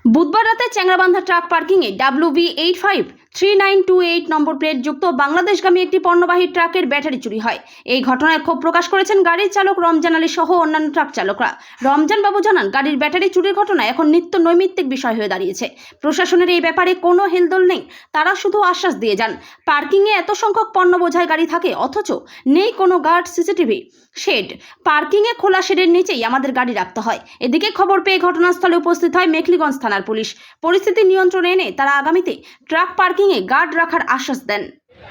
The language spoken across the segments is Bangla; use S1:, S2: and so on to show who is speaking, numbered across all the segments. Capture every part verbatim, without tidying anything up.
S1: বুধবার রাতে চ্যাংরাবান্ধা ট্রাক পার্কিংয়ে W V eight five three nine two eight নম্বর প্লেটযুক্ত বাংলাদেশগামী একটি পণ্যবাহী ট্রাকের ব্যাটারি চুরি হয়। এই ঘটনায় ক্ষোভ প্রকাশ করেছেন গাড়ির চালক রমজান আলী সহ অন্যান্য ট্রাক চালকরা। রমজান বাবু জানান, গাড়ির ব্যাটারি চুরির ঘটনা এখন নিত্য নৈমিত্তিক বিষয় হয়ে দাঁড়িয়েছে। প্রশাসনের এই ব্যাপারে কোনো হেলদোল নেই, তারা শুধু আশ্বাস দিয়ে যান। পার্কিংয়ে এত সংখ্যক পণ্য বোঝাই গাড়ি থাকে, অথচ নেই কোনো গার্ড, সিসিটিভি, শেড। পার্কিংয়ে খোলা শেডের নিচেই আমাদের গাড়ি রাখতে হয়। এদিকে খবর পেয়ে ঘটনাস্থলে উপস্থিত হয় মেখলিগঞ্জ থানার পুলিশ। পরিস্থিতি নিয়ন্ত্রণে এনে তারা আগামীতে ট্রাক পার্কিংয়ে গার্ড রাখার আশ্বাস দেন।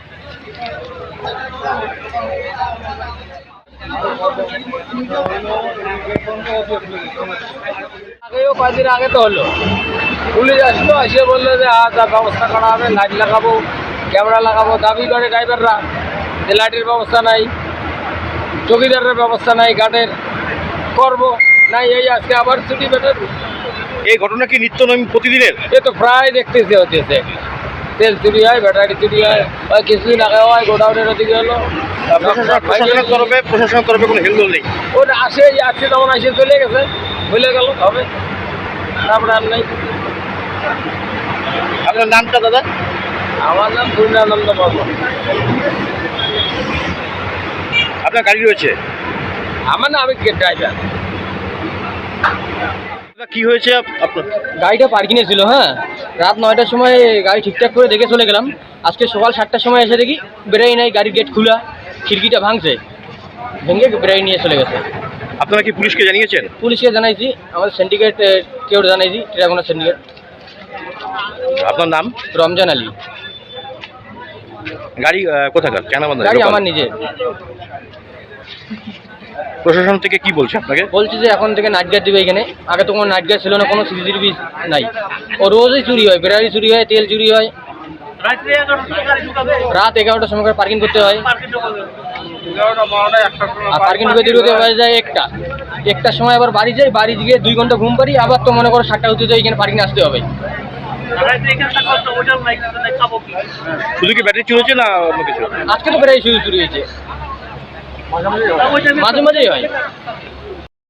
S2: আগেও কয়েকদিন আগে তো হলো, পুলিশ আসলো, এসে বললো যে আজ ব্যবস্থা করা হবে, লাইট লাগাবো, ক্যামেরা লাগাবো। দাবি করে ড্রাইভাররা যে লাইটের ব্যবস্থা নাই, চৌকিদারের ব্যবস্থা নাই, গার্ডের করবো নাই। এই আজকে আবার ছুটি বেটার।
S3: এই ঘটনা কি নিত্য নৈমিত্তিক প্রতিদিনের?
S2: এ তো প্রায় দেখতেছে হচ্ছে, তেল চুরি হয়, ব্যাটারি চুরি হয়, ওই কিছুদিন আগে হয় গোডাউনের ওদিকে হলো।
S3: প্রশাসনের তরফে প্রশাসনের তরফে কোনো হেলদোল নেই।
S2: ওটা আসে আসছে তখন আসে চলে গেছে, ভুলে গেল হবে, তারপরে আর নেই।
S3: আপনার নামটা দাদা?
S2: আমার নাম পূর্ণানন্দ বর্মা।
S3: আপনার গাড়ি রয়েছে?
S2: আমার না, আমি ড্রাইভার।
S3: কি হয়েছে আপনার?
S4: গাড়িটা পার্কিংয়ে ছিল। হ্যাঁ, রাত নয়টার সময় গাড়ি ঠিকঠাক করে দেখে চলে গেলাম। আজকে সকাল সাতটার সময় এসে দেখি বেরোই নাই, গাড়ির গেট খোলা, খিড়কিটা ভাঙছে, ভেঙে বেরোই নিয়ে চলে গেছে।
S3: আপনারা কি পুলিশকে জানিয়েছেন?
S4: পুলিশকে জানাইছি, আমাদের সিন্ডিকেট কেউ জানাইছি, ট্রাগোনা সিন্ডিকেট।
S3: আপনার নাম?
S4: রমজান আলী।
S3: গাড়ি আহ, কোথাকার? চ্যাংরাবান্ধা
S4: গাড়ি আমার নিজের।
S3: প্রশাসন থেকে কি বলছে আপনাকে?
S4: বলছি যে এখন থেকে নাইট গার্ড দিবে এখানে। আগে তো কোনো নাইট গার্ড ছিল না, কোনো সিসিটিভি নাই। ও রোজই চুরি হয়, ব্যাটারি চুরি হয়, তেল চুরি হয়। রাত এগারোটার সময় পার্কিং করতে হয়, আর পার্কিং ঢুকে ঢুকে হয়ে যায় একটা একটার সময় আবার বাড়ি যাই, বাড়ি গিয়ে দুই ঘন্টা ঘুম পারি, আবার তো মনে করো সাতটা হতে তো এখানে পার্কিং আসতে হবে।
S3: শুধু কি ব্যাটারি চুরি হয়েছে না অন্য কিছু?
S4: আজকে তো ব্যাটারি চুরি চুরি হয়েছে, মাঝে মাঝেই হয়।